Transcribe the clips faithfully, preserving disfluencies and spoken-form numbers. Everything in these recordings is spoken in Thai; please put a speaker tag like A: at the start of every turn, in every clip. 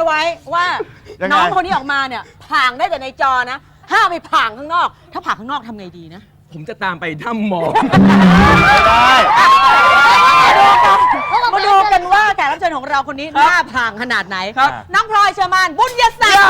A: ไว้ว่าน้องคนนี้ออกมาเนี่ยผ่างได้แต่ในจอนะห้ามไปผ่างข้างนอกถ้าผ่างข้างนอกทำไงดีนะ
B: ผมจะตามไปถ้ำหมอ
C: ไม่ได้
A: มาดูกันว่าแขกรับเชิญของเราคนนี้หน้าผ่างขนาดไหนครับน้องพลอยเชอร์มานบุญยศักดิ์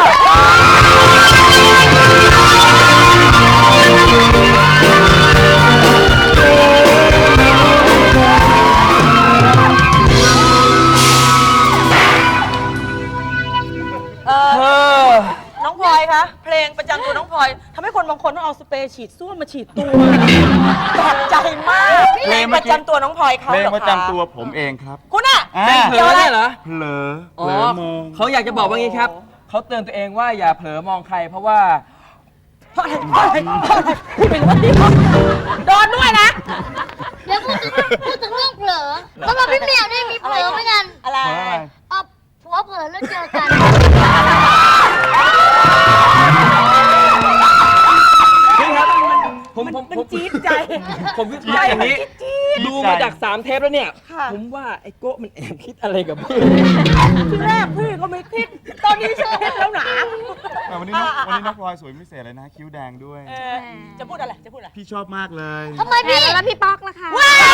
A: น้องพลอยคะเพลงประจำตัวน้องพลอยทำให้คนบางคนต้องเอาสเปรย์ฉีดส้วมมาฉีดตัวแปลกใจมากเพลงประจำตัวน้องพลอยเขา
C: เพลงประจำตัวผมเองครับ
A: คุณอะ
B: เป็นเผลอเหรอ
C: เผลอเผลอมอง
B: เขาอยากจะบอกว่างี้ครับเขาเตือนตัวเองว่าอย่าเผลอมองใครเพราะว่า
A: เพราะอะไรเพราะอะไรเพราะอะไรพูดไปเลยโดนด้วยนะ
D: เดี๋ยวพูดถึงพูดถึงเรื่องเผลอสำหรับพี่เหมียวนี่มีเผลอเหมือนกัน
A: อะไร
D: เอาผัวเผลอแล้วเจอกัน
B: พี่ครับผมผม
A: มันจี๊ดใจ
B: ผมวิเคราะห์อย่างนี้ดูมาจากสามเทปแล้วเนี่ยผมว่าไอ้โก้มันแอบคิดอะไรกับพี่
A: ที่แรกพี่ก็ไม่คิดตอนนี้ฉันคิดแล้วหนา
C: วันนี้วันนี้น้องพลอยสวยพิเศษเลยนะคิ้วแดงด้วย
A: จะพูดอะไรจะพูดอะไร
C: พี่ชอบมากเลย
D: ทำไมพี่
E: แล้วพี่ป๊อกล่ะคะ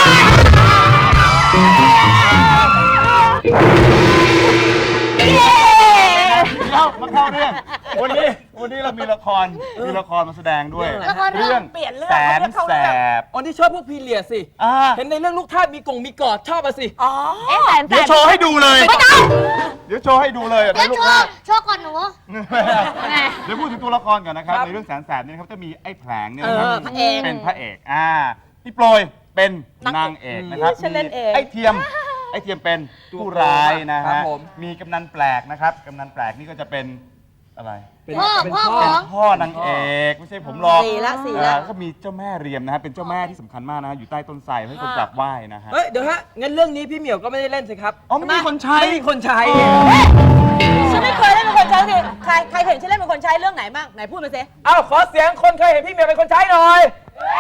C: เรามาเข้าเรื่องวันนี้วันนี้เรามีละครมีละครมาแสดงด้วยเรื่องแสนแสบ
B: อ๋อที่ชอบพวกพีเรียดสิเห็นในเรื่องลูกทาสมีกงมีกอดชอบอ่ะสิ
A: อ๋อ
C: เดี๋ยวโชว์ให้ดูเลยเดี๋ยวโชว์ให้ดูเลย
D: เดี๋ยวโชว์โชว์ก่อนหนู
C: เดี๋ยวพูดถึงตัวละครก่อนนะครับในเรื่องแสนแสบนี่ครับจะมีไอ้แผลงเนี่ยนะครับเป็นพระเอกอ่าพี่โปรยเป็นนางเอกนะครับไอ้เทียมไอ้เทียมเป็นผู้ร้ายนะฮะมีกำนันแปลกนะครับกำนันแปลกนี่ก็จะเป็นอะไร
D: เป็นพ่อพ่อ
C: เป็นพ่อนางเอกไม่ใช่ผมหรอก
A: สี่ละสี่ละ
C: ก็มีเจ้าแม่เรียมนะฮะเป็นเจ้าแม่ที่สำคัญมากนะอยู่ใต้ต้นไทรให้คนกราบไหว้นะฮะ
B: เฮ้ยเดี๋ยวฮะงั้นเรื่องนี้พี่เหมียวก็ไม่ได้เล่นสิครับ
C: อ๋อไม่มีคนใช้
B: ไม่มีคนใช้
A: ฉันไม่เคยเล่นเป็นคนใช้สิใครใครเห็นฉันเล่นเป็นคนใช้เรื่องไหนบ้างไหนพูดมาสิ
B: เอ้าขอเสียงคนเคยเห็นพี่เหมียวเป็นคนใช้หน่อย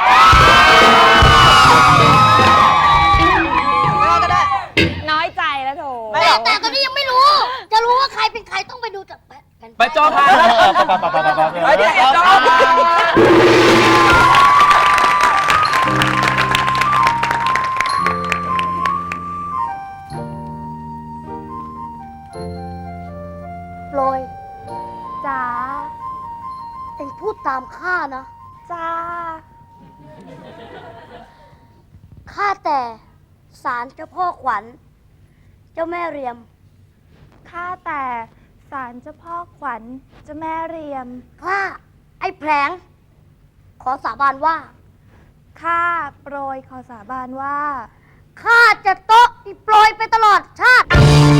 A: ก็ได้
E: น้อยใจแล้วโถ
D: แต่แต่ตอนนี้ยังไม่รู้จะรู้ว่าใครเป็นใครต้องไปดูจาก
B: ไปจอพาไปดิจอ
D: โปรยจ๋าเอ็งพูดตามข้านะ
E: จ้า
D: ข้าแต่ศาลเจ้าพ่อขวัญเจ้าแม่เรียม
E: ข้าแต่ศาลเจ้าพ่อขวัญเจ้าแม่เรียม
D: ข้าไอ้แผลงขอสาบานว่า
E: ข้าโปรยขอสาบานว่า
D: ข้าจะโต๊ะอีโปรยไปตลอดชาติ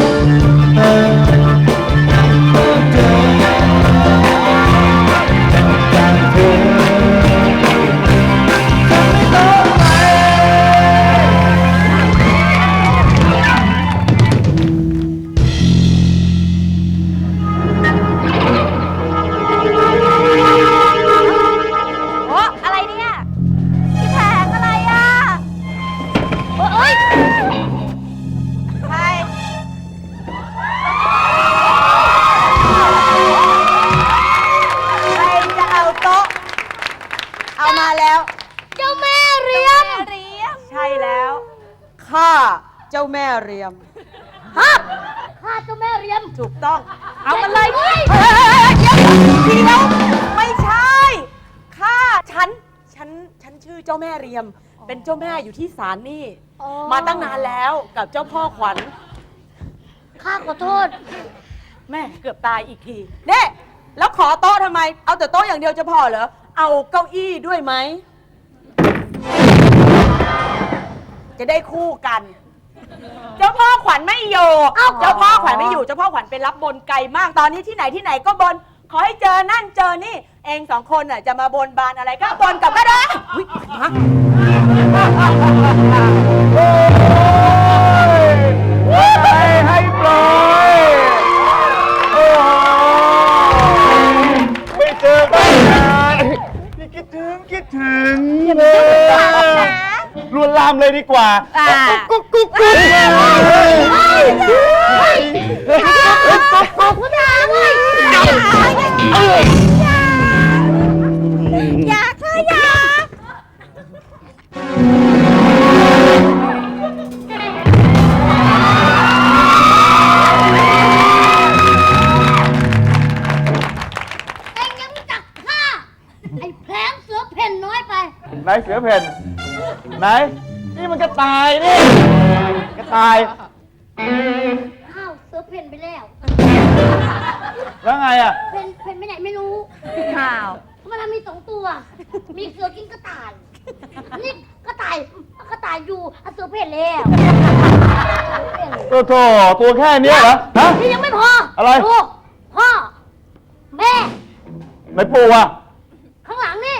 A: เจ้าแม่เรียม
D: ฮะข้าเจ้าแม่เรียม
A: ถูกต้องเอามาเลยเดี๋ยวเดี๋ยวไม่ใช่ข้าฉันฉันฉันชื่อเจ้าแม่เรียมเป็นเจ้าแม่อยู่ที่ศาลนี่มาตั้งนานแล้วกับเจ้าพ่อขวัญ
D: ข้าขอโทษ
A: แม่เกือบตายอีกทีเน่แล้วขอโต๊ะทำไมเอาแต่โต๊ะอย่างเดียวจะพอเหรอเอาเก้าอี้ด้วยไหมจะได้คู่กันเจ้าพ่อขวัญไม่อยู่เจ้าพ่อขวัญไม่อยู่เจ้าพ่อขวัญไปรับบนไกลมากตอนนี้ที่ไหนที่ไหนก็บนขอให้เจอนั่นเจอนี่เองสองคนน่ะจะมาบนบานอะไรก็บนกับก็ได้
C: ให้ปล่อยไม่เจอกันนานคิดถึงคิดถึงลวนลามเลยดีกว่ากุ๊กกุ๊กกุ๊กกุ๊กเสือเพ่นไหนนี่มันกระต่ายนี่กระต่าย
D: อ้าวเสือเพ่นไปแล้ว
C: แล้วไงอ่ะ
D: เพ่นเพ่นไปไหนไม่รู้
A: ข่าว
D: มันมีสองตัว มีเสือกินกระต่าย นี่กระต่ายกระต่ายอยู่อ่ะเสือเพ่นแล้ว
C: โอ้โถตัวแค่เนี้ยเหรอฮะ
D: นี่ยังไม่พอ
C: อะไร
D: ลูกพ่อ แม่
C: ไหนปูอ่ะ
D: ข้างหลังนี่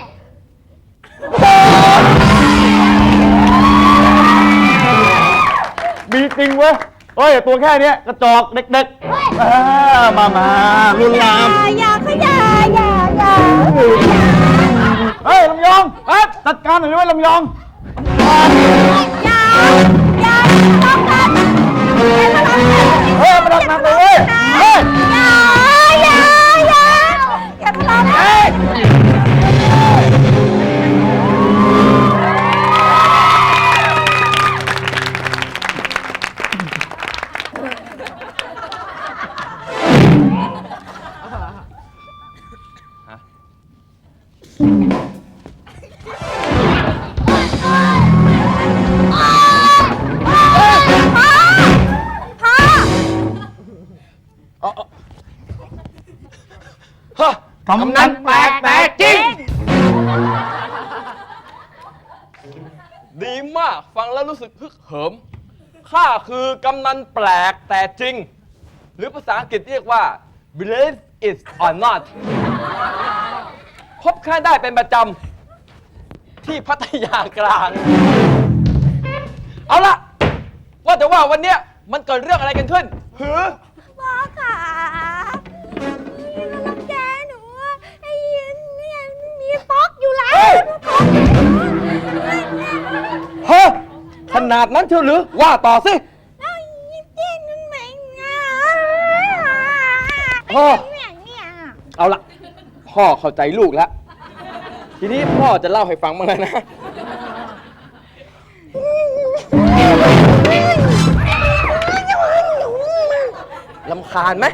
C: มีจริงเว้ยเฮ้ยตัวแค่เนี้ยกระจอกเด็กๆอ่ามามาลุนลาม
A: อย่าขยาอย่าอย่า
C: เฮ้ยลำยองเอ๊ะจัดการหน่อยด้วยลำยอง
A: อย่าอย่าต้องกัน
C: เฮ้ยมาดักหนักเลยเว้ยเฮ้ย
A: อย่าอย่าอย่าอย่าทะเลาะกัน
C: เฮ้ย
B: ฮะ
C: กำนันแปลกแต่จริง
B: ดีมากฟังแล้วรู้สึกฮึกเหิมข้าคือกำนันแปลกแต่จริง หรือภาษาอังกฤษเรียกว่า believe it or not พบข้าได้เป็นประจำที่พัทยากลาง เอาละว่าแต่ว่าวันเนี้ยมันเกิดเรื่องอะไรกันขึ้นหือ
E: พ่อขามันแกหนูอะไอ้เนี่ยมีฟอกอยู่แล้ว
B: เฮ้ย เฮ้ยขนาดนั้นเชียวหรือว่าต่อสิ
E: แล้วยิ้มเต้นนั่นไหมอ่ะ
B: พ่อ
E: เนี่ยเนี่ย
B: เอาละพ่อเข้าใจลูกแล้ว ทีนี้พ่อจะเล่าให้ฟังบ้างเลยนะ รำคาญไหม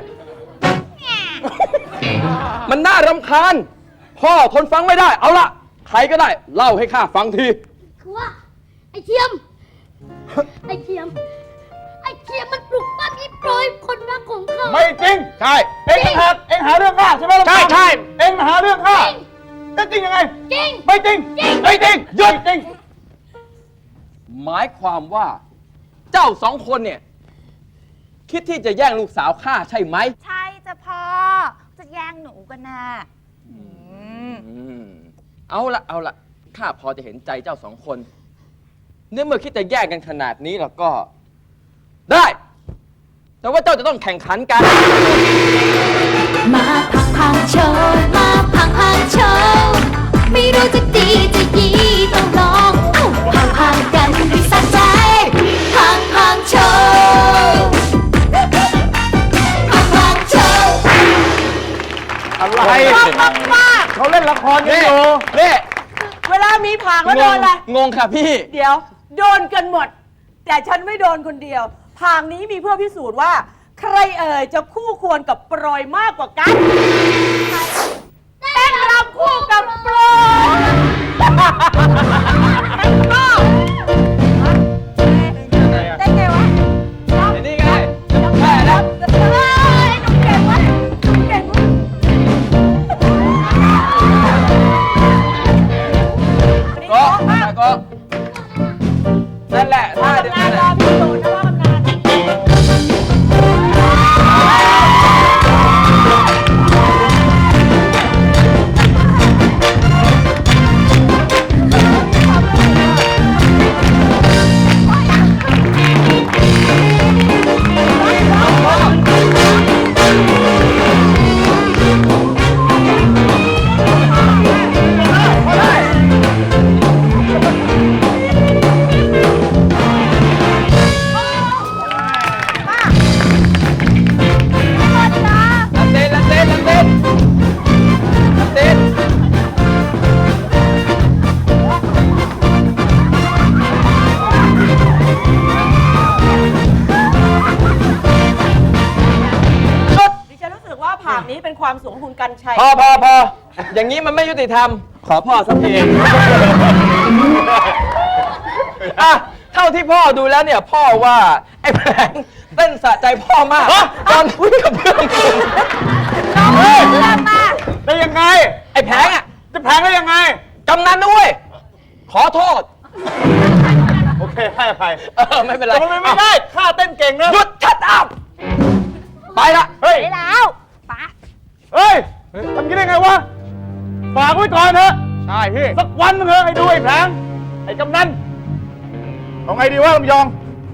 B: มันน่ารำคาญ พ่อทนฟังไม่ได้ เอาละใครก็ได้ เล่าให้ข้าฟังที
D: คือว่า ไอ้เทียม ไอ้เทียม ไอ้เทียมมันปลุกปั้มอีโปรยคนรักของเขา
C: ไม่จริง
B: ใช่
C: เองต่างหากเองหาเรื่องข้าใช่ไหมลำยอง
B: ใช่ใช่
C: เองมาหาเรื่องข้าจะจริงยังไง
D: จริง
C: ไม่จริง
D: จริง
C: ไม่จริงหยุดจริง
B: หมายความว่า เจ้าสองคนเนี่ย คิดที่จะแย่งลูกสาวข้าใช่ไหม
E: ใช่จ้ะพ่อ จะแย่งหนูกันนะอืม
B: อืมเอาละเอาละข้าพอจะเห็นใจเจ้าสองคนเนื่อเมื่อคิดจะแย่งกันขนาดนี้แล้วก็ ได้ แต่ว่าเจ้าจะต้องแข่งขันกัน
F: มาพังพังโชว์มาพังพังโชว์ไม่รู้จะดีจะยีต้องลองพังพังกันให้สะใจพังพังโชว์พังพังโชว์
C: อะไรเขาเล่นละครกัน
B: นี่
C: อยู่
B: นี่
A: เวลามีผางแล้วโดนอะไร
B: งงค่ะพี่
A: เดี๋ยว โดนกันหมด แต่ฉันไม่โดนคนเดียวผางนี้มีเพื่อพิสูจน์ว่า ใครเอ่ยจะคู่ควรกับโปรยมากกว่ากันเต้นรำคู่กับโปรยได้ไงวะ
B: นี่ไงแค่นะ
A: เฮ้ยหนูเก่งวะหนูเก่งวะ
B: ก็ก็นั่นแหละ
A: พ่อ
B: ท่าเดียว
A: ทำงา
B: กัน นแห
A: รอ
B: ละ
A: พี่โดนนะพ่อทำงาน
C: เ
A: ผากนี้เป็นความสูงของคุณกันชัย
B: พอพอพออย่างนี้มันไม่ยุติธรรม ขอพ่อสักทีอ่ะเท่าที่พ่อดูแล้วเนี่ยพ่อว่าไอ้แผลงเต้นสะใจพ่อมากตอนวิ่งกับเพื่อน
A: น้องเพื่อนมา
C: ได้ยังไง
B: ไอ้แผลงอ่ะ
C: จะแพงได้ยังไง
B: กำนันด้วยขอโทษ
C: โอเคให้อภัย
B: เออไม่เป็นไร
C: แต่มันไม่ได้ข้าเต้นเก่งนะ
B: หยุดชัดอัพไปละ
C: เฮ้ย
E: ไปแล้วปะ
C: เฮ้ยทำกันได้ไงวะ ฝากไว้ก่อนเถอะ
B: ใช่พี่
C: สักวันมึงเถอะไอ้ดูไอ้แผลงไอ้กำนันเอาไงดีวะลำยอง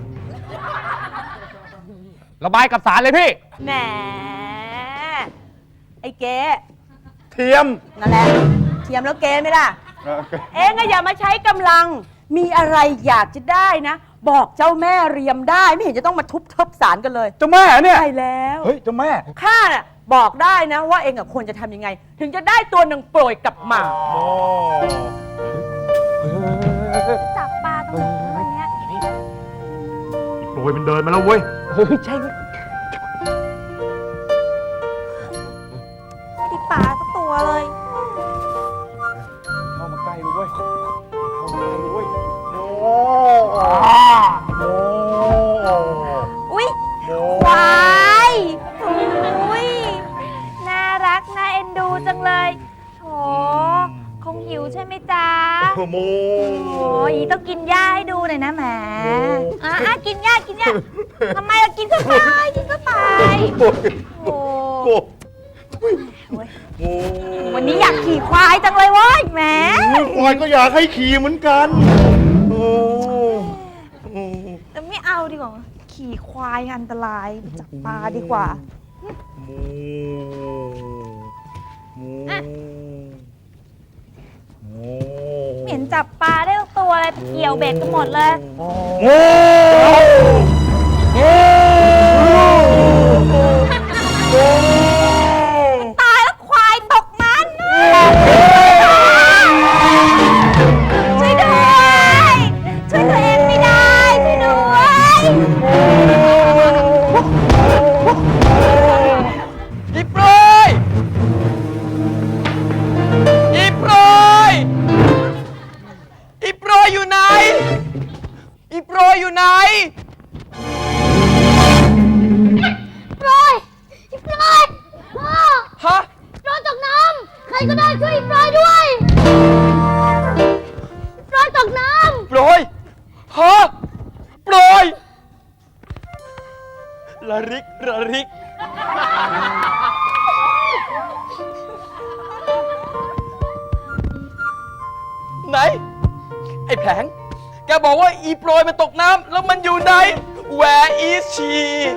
B: ระบายกับสารเลยพี่
A: แหมไอ้เก๋
C: เทียม
A: นั่นแหละเทียมแล้วเก๋ไหมล่ะ
C: เออ
A: เองก็อย่ามาใช้กำลัง มีอะไรอยากจะได้นะ บอกเจ้าแม่เรียมได้ไม่เห็นจะต้องมาทุบทบสารกันเลย
C: เจ้าแม่เนี่ย
A: ใช่แล้ว
C: เฮ้ยเจ้าแม่
A: ข้าน่ะบอกได้นะว่าเองกับควรจะทำยังไง ถึงจะได้ตัวนางโปรยกลับมา
C: โอ้
E: จับปลาตรงไหนวันเนี้ย
C: โปรยมันเดินมาแล้วเว้ย
B: เฮ้ยใช่
E: ไม่ได้ปลาสักตัวเลย
C: เข้ามาใกล้เลยเว้ย เข้ามาใกล้เลยเว้ย โอ้โห
E: อุ๊ย ควายอุ๊ย น่ารัก น่าเอ็นดูจังเลยโถคงหิวใช่ไหมจ๊ะ
C: โม
E: โอ้ยต้องกินหญ้าให้ดูหน่อยนะแหมอ่ะอ่ะกินหญ้ากินหญ้าทำไมเรากินเข้าไปกินเข้าไปโอ้
C: โอ้ โอ้
E: วันนี้อยากขี่ควายจังเลยเว้ยแหม
C: ควายก็อยากให้ขี่เหมือนกัน โอ้โอ้
E: แต่ไม่เอาดีกว่า ขี่ควายอันตรายไปจับปลาดีกว่า
C: โมโม
E: อ่ะ
C: โม
E: ไม่เห็นจับปลาได้ทุกตัวเลยไปเกี่ยวเบ็ดกันหมดเลย
C: โมโม
E: ตายแล้วควายตกมันช่วยด้วย ช่วยตัวเองไม่ได้ ช่วยด้วย
B: อีโปรยอีโปรยอีโปรยอยู่ไหนอีโปรยอยู่ไหน
D: ปล่อยปล่อยพ่อ
B: ฮะ
D: ปล่อยตกน้ำใครก็ได้ช่วยปล่อยด้วยปล่อยตกน้
B: โปรยฮะโปรยระริกระริก ไหน ไอ้แผง แกบอกว่าอีโปรยมันตกน้ำแล้วมันอยู่ไหน Where is she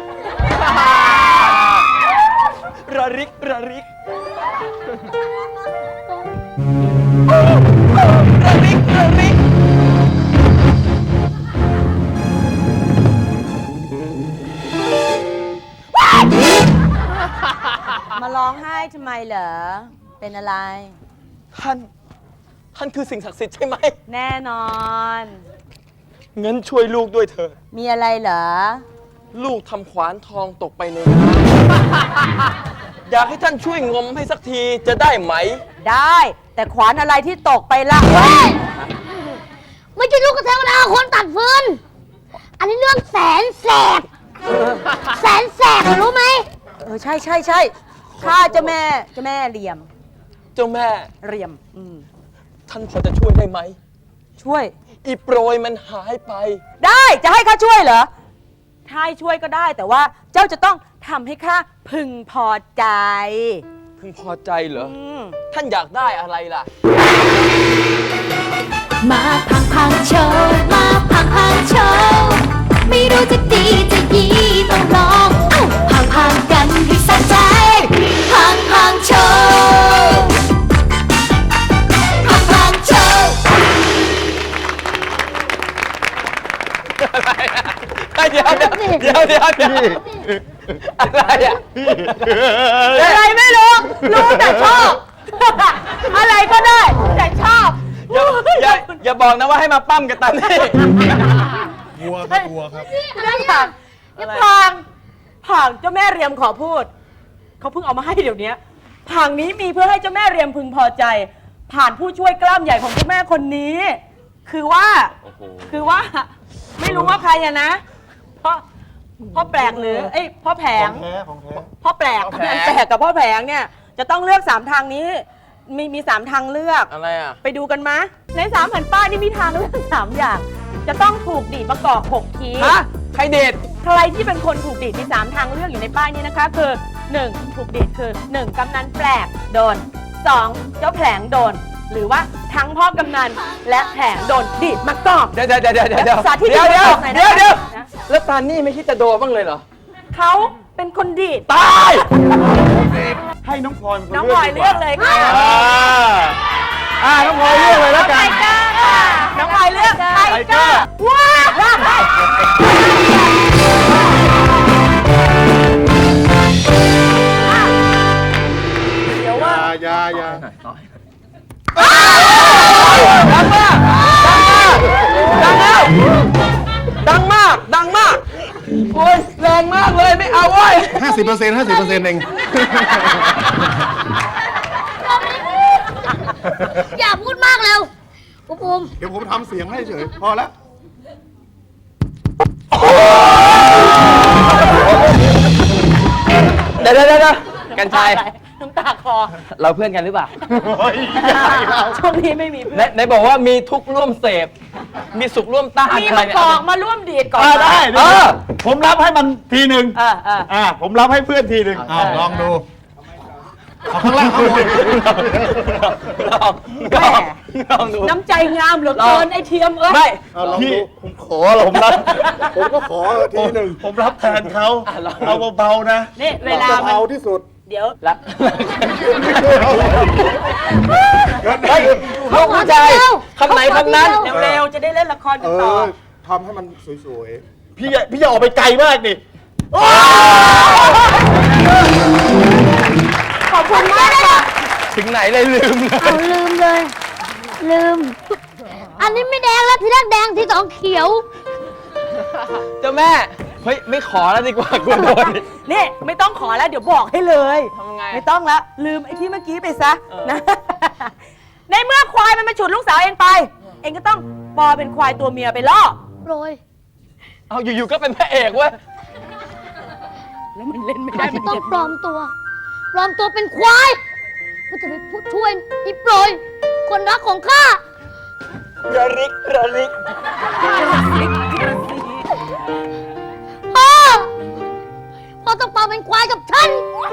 B: ระริกระริกระริกระริก
A: มาร้องไห้ทำไมเหรอ เป็นอะไร
B: ท่าน ท่านคือสิ่งศักดิ์สิทธิ์ใช่ไหม
A: แน่นอน
B: งั้นช่วยลูกด้วยเถอะ
A: มีอะไรเหรอ
B: ลูกทำขวานทองตกไปในน้ำอยากให้ท่านช่วยงมให้สักทีจะได้ไหม
A: ได้ แต่ขวานอะไรที่ตกไปละ
D: ำเฮ้ยไม่ใช่ลูกกระเทวดาคนตัดฟืน อันนี้เรื่องแสนแสบแสนแสบรู้ไหม
A: เออ ใช่ใช่ใช่ข้าเจ้าแม่เจ้าแม่เหลี่ยม
B: เจ้าแม่
A: เหลี่ยม อืม
B: ท่านพอจะช่วยได้ไหม
A: ช่วย
B: อีโปรยมันหายไป
A: ได้จะให้ข้าช่วยเหรอ ถ้าให้ช่วยก็ได้ แต่ว่าเจ้าจะต้องทำให้ข้าพึงพอใจ
B: พึงพอใจเหรอ
A: อืม
B: ท่านอยากได้อะไรล่ะ
F: มาพังพังโชว์มาพังพังโชว์ไม่รู้จะดีจะยีต้องลองเอ้าพังพังกันให้สะใจ พังพังโชว์พังพังโชว์
B: เดี๋ยวเดี๋ยวเดี๋ยวเดี๋ยวเดี๋ยวอะไรอ่ะ
A: อะไรไม่รู้ รู้แต่ชอบ อะไรก็ได้ แต่ชอบ
B: อย่าอย่าอย่าบอกนะว่าให้มาปั้มกันตามนี่
C: วัวครับวัวครับ
A: นั่นผ่านนี่พางผ่างเจ้าแม่เรียมขอพูดเขาเพิ่งเอามาให้เดี๋ยวนี้ผังนี้มีเพื่อให้เจ้าแม่เรียมพึงพอใจ ผ่านผู้ช่วยกล้ามใหญ่ของเจ้าแม่คนนี้ คือว่า
B: โอ้โห
A: คือว่า ไม่รู้ว่าใครอะนะเพราะพ่อแปลกหรือเอ้ยพ่อแผง
C: ของแท้ของแท้
A: พ่อแปลก
B: พ่อ
A: พ่อ
B: แผง
A: แปลกกับพ่อแผงเนี่ยจะต้องเลือกสามทางนี้ มีมีสามทางเลือก
B: อะไรอ่ะ
A: ไปดูกันมะในสามแผ่นป้ายนี่มีทางเลือกสามอย่าง จะต้องถูกดีดประกอบหกที
B: ฮะ ใครเด็ด
A: ใครที่เป็นคนถูกดีดมีสามทางเลือกอยู่ในป้ายนี้นะคะ คือหนึ่งถูกดีดคือหนึ่งกำนันแปลกโดนสองเจ้าแผลงโดน หรือว่าทั้งพ่อกำนันและแผลงโดนดีดมากอบ
B: เดี๋ยวเดี๋ยวเดี๋ยวเดี๋ยวเดี๋ยว
A: สาธิต
B: เดี๋ยวเดี๋ยว
A: หน่อยนะ
B: เดี๋ยวเดี๋ยว
A: นะ
B: แล้วตานี่ไม่คิดจะโดนบ้างเลยเหรอ
A: เขาเป็นคนดีด
B: ตาย
C: ให้น้องพลอยเป็นคน
A: น้องพลอยเลือกเลยค่ะ
C: อ่าอ่าน้องพลอยเลือกเลยแล้วกัน
E: เกอร์ค่ะ
A: น้องพลอยเลือกไท
C: ไท
A: เก
C: เก
A: อ
C: อร์
A: ร์ว้าวเดี๋ยวว่า
C: อยาอยา
B: ดังมาก ดังมาก ดังมาก ดังมาก โอ้ยแรงมากเลย ไม่เอาเว้ย
G: ห้าสิบเปอร์เซ็นต์ห้าสิบเปอร์เซ็นต์เอง
D: อย่าพูดมากเร็วปุ๊บปุ๊ม
G: เดี๋ยวผมทำเสียงให้เฉย พอแล้ว
B: เดี๋ยวเดี๋ยวเดี๋ยวกันชัย
A: น้ำตาคอ
B: เราเพื่อนกันหรือเปล่า
A: ช่วงนี้ไม่มีเพื่
B: ไหน
A: อน
B: ไหนบอกว่ามีทุกข์ร่วมเสพ มีสุขร่วมต้าน
A: มี
B: อะไร
A: มา
B: เนี่ย
A: กอกมาร่วมดีดก่อน
C: อ่าได้
B: เอ
C: เดี๋ยว
B: อ
C: ผมรับให้มันทีหนึ่ง
A: เออเออ
C: อ่าผมรับให้เพื่อนทีหนึ่ง
G: อ้าวลองดู เอาข้างล่างข้างบน
B: ลองลองลองดู
A: น้ำใจงามเหลือเกินไอ้เทียมเอ้ย
B: ไม่
G: เอาลอง
C: พี่
G: ดู
C: ผมขอผมรับ
G: ผมก็ขอทีหนึ่ง
C: ผมรับแทนเขา
B: อ่ะลอง
C: เอาเบาๆนะ
A: นี่เวลา
G: จะ
A: มัน
G: เอาที่สุด
A: เดี๋ยว
B: รักเฮ้ยลูกผู้ชายคำไหนคำนั้น
A: เร็วๆจะได้เล่นละคร
G: เอ
A: กันต่อ
G: อทำให้มันสวย
C: พี่อย่าพี่อย่าออกไปไกลมากดิ
A: ขอบคุณมากค่ะ
B: ถึงไหนเลยลืมเลย
D: เอาลืมเลย ลืม อันนี้ไม่แดงแล้วทีแรกแดงทีสองเขียว
B: เจ้าแม่ เฮ้ย ไม่ขอแล้วดีกว่ากูโดน
A: นี่ไม่ต้องขอแล้วเดี๋ยวบอกให้เลย
B: ทำไง
A: ไม่ต้องแล้วลืมไอ้ที่เมื่อกี้ไปซะ
B: เออ
A: นะ ในเมื่อควายมันมาฉุดลูกสาวเองไป เองก็ต้องปอเป็นควายตัวเมียไปล่อ
D: โรย
B: เอาอยู่ๆก็เป็นพระเอกเว้ย
A: แล้วมันเล่นไม่
D: ข้า
A: ได้
D: จะ
A: มัน
D: ต้อง
A: เจ็บ
D: ปลอมตัว ปลอมตัวเป็นควายเพื่อจะไปพูดช่วยอีโปรย คนรักของข้า
B: ระลิกระลิก
D: พ่อ พ่อต้องปลอมเป็นควายกับฉัน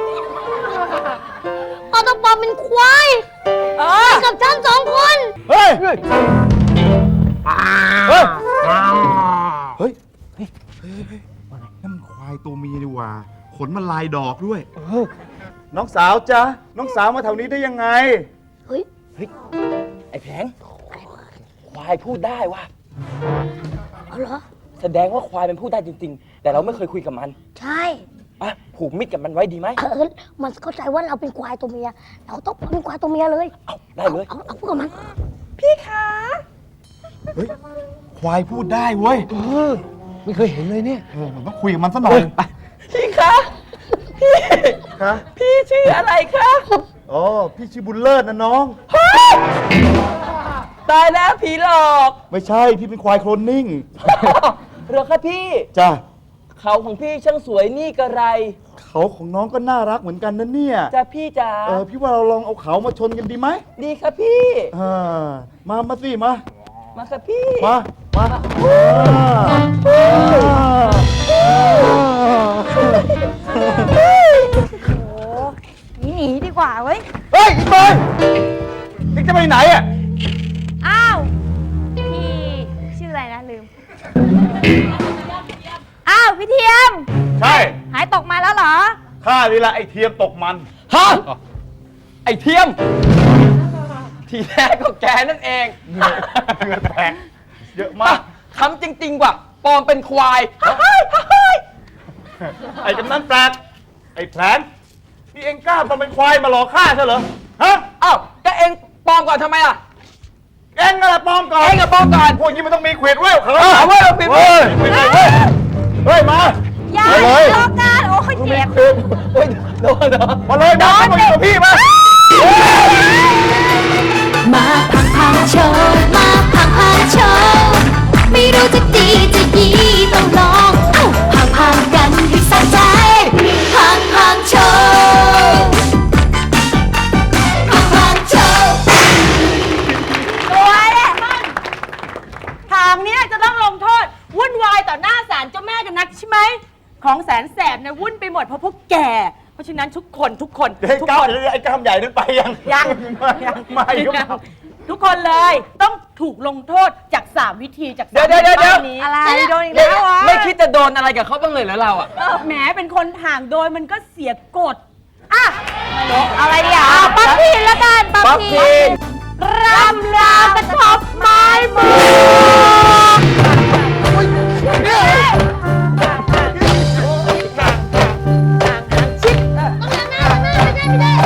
D: พ่อต้องปลอมเป็นควาย
A: เออ
D: กับฉันสองคน
C: เฮ้ย
B: เฮ้ย
C: เฮ้ย เฮ้ย เฮ้ยนั่นมันควายตัวเมียดีกว่า ขนมันลายดอกด้วย น้องสาวจ๊ะ น้องสาวมาแถวนี้ได้ยังไง
D: เฮ้ย
B: ไอ้แผงควายพูดได้ว่ะ
D: เอาเหรอ
B: แสดงว่าควายมันพูดได้จริง ๆ แต่เราไม่เคยคุยกับมัน
D: ใช่
B: อ่ะผูกมิตรกับมันไว้ดีไหม
D: เออมันเข้าใจว่าเราเป็นควายตัวเมีย เราต้องเป็นควายตัวเมียเลย
B: เอาได้เลย
D: เอาเอาพูดกับมัน
A: พี่คะ
C: เฮ้ย ควายพูดได้เว้ย
B: เออ ไม่เคยเห็นเลยเนี่ย
C: เออผมต้องคุยกับมันซะหน่อย
B: ไปพี่คะพี่
C: คะ
B: พี่ชื่ออะไรคะ
C: อ๋อ พี่ชื่อบุญเลิศนะน้อง
B: ตายแล้วผีหลอก
C: ไม่ใช่ พี่เป็นควายโคลนนิ่ง
B: เหรอคะพี่
C: จ้ะ
B: เขาของพี่ช่างสวยนี่กระไร
C: เขาของน้องก็น่ารักเหมือนกันนะเนี่ย
B: จ้ะพี่จ๋า
C: เออ พี่ว่าเราลองเอาเขามาชนกันดีไหม
B: ดีค่ะพี่
C: อ่ามา มาสิ มา
B: มาค่ะพี่
C: มา มา
E: หนีหนีดีกว่าเว้ย
C: เฮ้ยอีเบยนี่จะไปไหนอ่ะ
E: อ้าว พี่ชื่ออะไรนะลืม อ้าวพี่เทียม
C: ใช่
E: หายตกมาแล้วเหรอ
C: ข้านี่ละไอเทียมตกมัน
B: ฮะ ไอเทียม ทีแรกก็แกนั่นเอง
C: เหงื่อแตกเยอะมาก
B: คำจริง ๆ ว่ะปลอมเป็นควาย
C: ไอ้กำนันแปลก ไอ้แผลนนี่เองกล้ามาเป็นควายมาหลอกข้าใช่เหรอ ฮะ
B: อ้าวก็เองปลอมก่อนทำไมล่ะ
C: เองนั่นแหละปลอมก่อน
B: เองกับปลอมก่อน
C: พวกนี้มันต้องมีเขวดเว้ยเขา
B: เอาเว้ยเอาปิดเว้
C: เฮ้
B: ย
C: ยปิดเลยเว้ยเฮ้ย มา
E: อย่า
C: ไปเลย
E: ทะเลาะกันโอ้ยยเจ็บ
B: โอ้ยโดนเหรอ
C: มาเลยมามาอยู่กับพี่มา
F: มาพังพังโชว์มาพังพังโชว์ไม่รู้จะดีจะยีต้องลองเอ้าพังพังกันให้สะใจพังพังโชว์พังพังโชว์
A: ตัวเนี่ยทางเนี้ยจะต้องลงโทษ วุ่นวายต่อหน้าศาลเจ้าแม่กันนักใช่ไหม ของแสนแสบเนี่ยวุ่นไปหมดเพราะพวกแก เพราะฉะนั้นทุกคนทุกคน
C: ไอ้
A: ทุก
C: ก้า
A: ค
C: วน ไอ้ก้ามใหญ่นั้นไปยัง
A: ยัง
C: ยังไม่ครับ
A: ทุกคนเลยต้องถูกลงโทษจากสามวิธีจากสาม
B: เดี๋ยวเดี๋ยวเดี๋ยว
A: ป้ายนี้
E: อะไรโดนอีกแล้ววะ
B: ไม่คิดจะโดนอะไรกับเขาบ้างเลยเหรอเราอ่ะ
A: แหมเป็นคนห่างโดยมันก็เสียกฎอ่ะ
E: อะไรเดี๋ยวปั๊บพีนแล้วกันปั๊บ
B: ปั๊บ
E: พี
B: พี
E: น
B: น
A: รำลากระทบไม้มือ
D: ต้องหน้าหน้าไม่ได้ไม่ได้